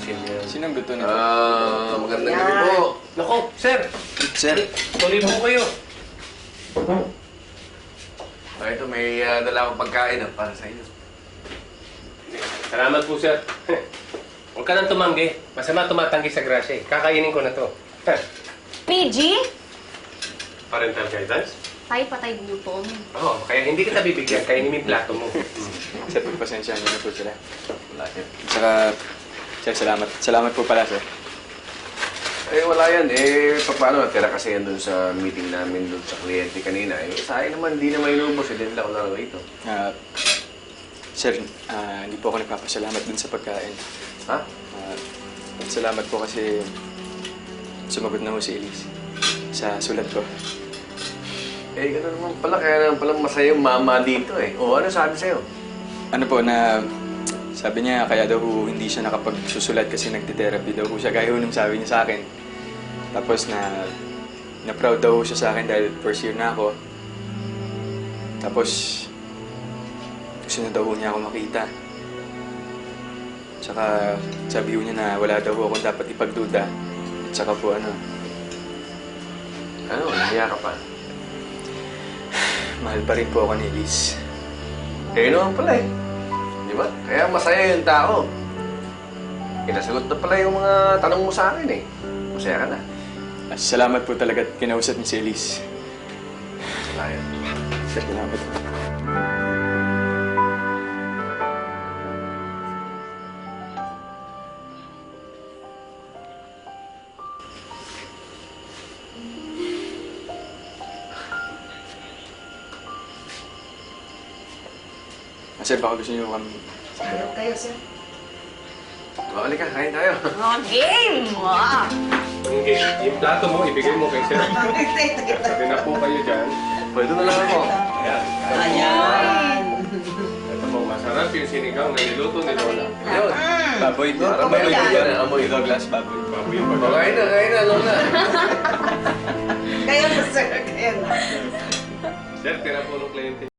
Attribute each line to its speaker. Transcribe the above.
Speaker 1: ayusin yan.
Speaker 2: Sinong gusto nito?
Speaker 1: Magandang gabi po.
Speaker 3: Nako, sir!
Speaker 2: Sir,
Speaker 3: Tuloy po kayo.
Speaker 1: Ito, may dala akong pagkain para sa inyo.
Speaker 3: Salamat po, sir. Huwag ka nang tumanggi. Masama tumatanggi sa grasya eh. Kakainin ko na to.
Speaker 4: PG?
Speaker 3: Parental guidance?
Speaker 4: Tayo patay gutom.
Speaker 3: Oo, kaya hindi kita bibigyan. Kainin mo yung plato mo.
Speaker 2: sir, pagpasensyahan niyo na po sila.
Speaker 1: Wala yan.
Speaker 2: Saka, sir, salamat. Salamat po pala, sir.
Speaker 1: Wala yan. Paano? Tira kasi yan dun sa meeting namin dun sa kliyente kanina. Sa akin naman, hindi naman inubos. Hindi nila ako lang rito.
Speaker 2: Sir, hindi po ako nagpapasalamat dun sa pagkain.
Speaker 1: Ha?
Speaker 2: Salamat po kasi sumagot na ho si Elise sa sulat ko.
Speaker 1: Gano'n naman pala. Kaya naman pala masaya yung mama dito O, ano sabi sa'yo?
Speaker 2: Ano po na, sabi niya kaya daw ho hindi siya nakapagsusulat kasi nagte-therapy daw ho siya. Gaya ho nung sabi niya sa akin. Tapos na proud daw ho siya sa akin dahil first year na ako. Tapos, gusto na daw ho niya ako makita. Tsaka sabi ho niya na wala daw ho akong dapat ipagduda. At saka po Ano,
Speaker 1: nahiya ka pa?
Speaker 2: Mahal pa rin po ako ni Elise.
Speaker 1: Naman pala Di ba? Kaya masaya yung tao. Nasagot na pala yung mga tanong mo sa akin Masaya ka na.
Speaker 2: Salamat po talaga at kinausap niyo si Elise.
Speaker 1: Ayun.
Speaker 2: Salamat po. Sir, baka gusto niyo kami...
Speaker 5: Ayaw kayo, sir.
Speaker 1: Balik ka, kain tayo.
Speaker 4: Oh, game! Wow!
Speaker 3: Okay, yung plato mo, ibigay mo kay sir. Sabi na po kayo dyan.
Speaker 1: Pwede na lang ako.
Speaker 3: Ayan.
Speaker 5: Ayan.
Speaker 3: Ito po, masarap yung sinigang na niluto ni Lola.
Speaker 1: Yun.
Speaker 2: Baboy po.
Speaker 1: Parang may
Speaker 5: Baboy.
Speaker 1: luto na amoy.
Speaker 2: Douglas, baboy.
Speaker 3: Baboy yung
Speaker 1: Kain na, Lola.
Speaker 5: Kayo na, sir. Kayo na.
Speaker 3: Sir, tira po ng kliyente.